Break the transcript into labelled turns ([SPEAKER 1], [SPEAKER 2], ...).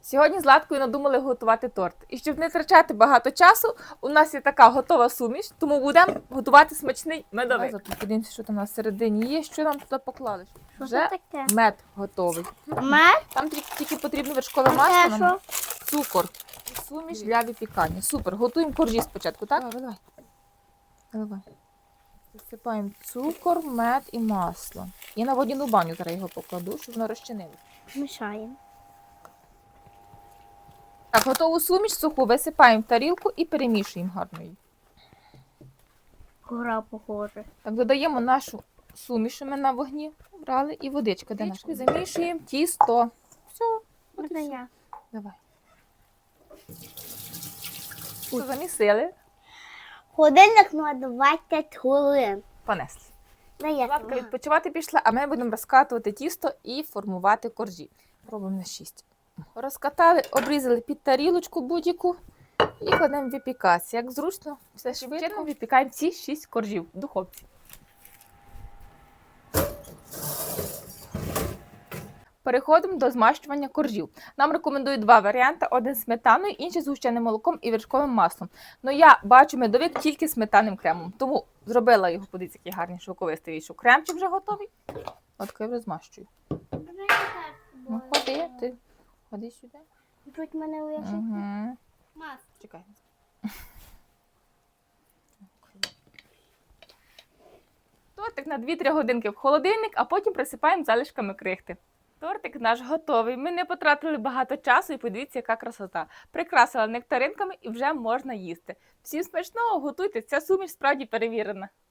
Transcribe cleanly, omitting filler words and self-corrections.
[SPEAKER 1] Сьогодні з Ладкою надумали готувати торт. І щоб не втрачати багато часу, у нас є така готова суміш, тому будемо готувати смачний медовик. Подивимося, що там на середині є, що нам туди поклали.
[SPEAKER 2] Що
[SPEAKER 1] Вже
[SPEAKER 2] це таке?
[SPEAKER 1] мед готовий.
[SPEAKER 2] Мед?
[SPEAKER 1] Там тільки потрібно вершкове
[SPEAKER 2] А це
[SPEAKER 1] масло,
[SPEAKER 2] що?
[SPEAKER 1] цукор і суміш для випікання. Супер. Готуємо коржі спочатку, так? Давай. Засипаємо цукор, мед і масло. І на водяну баню зараз його покладу, щоб воно розчинилося.
[SPEAKER 2] Мішаємо.
[SPEAKER 1] Так, готову суміш суху висипаємо в тарілку і перемішуємо гарно її.
[SPEAKER 2] Гора похоже.
[SPEAKER 1] Так, додаємо нашу суміш, що ми на вогні брали, і водичка. Де наша? Замішуємо тісто. Все.
[SPEAKER 2] Можна я?
[SPEAKER 1] Давай. Все, замісили.
[SPEAKER 2] Годинник на 20 хвилин.
[SPEAKER 1] Понесли.
[SPEAKER 2] Дай
[SPEAKER 1] Ладка відпочивати пішла, а ми будемо розкатувати тісто і формувати коржі. Пробуємо на 6. Розкатали, обрізали під тарілочку будь-яку і кладемо випікатися. Як зручно, все швидко випікаємо ці 6 коржів в духовці. Переходимо до змащування коржів. Нам рекомендують два варіанти: один з сметаною, інший з згущеним молоком і вершковим маслом. Ну я бачу медовик тільки з сметанним кремом, тому зробила його, подивіться, який гарний шовковистий вийшов. Кремчик вже готовий. От я вже змащую. Ну, ходи сюди.
[SPEAKER 2] Тут мене уяжуть.
[SPEAKER 1] Угу.
[SPEAKER 2] Мас.
[SPEAKER 1] Чекай. Тортик на 2-3 годинки в холодильник, а потім присипаємо залишками крихти. Тортик наш готовий. Ми не потратили багато часу і подивіться, яка красота. Прикрасила нектаринками і вже можна їсти. Всім смачного, готуйте, ця суміш справді перевірена.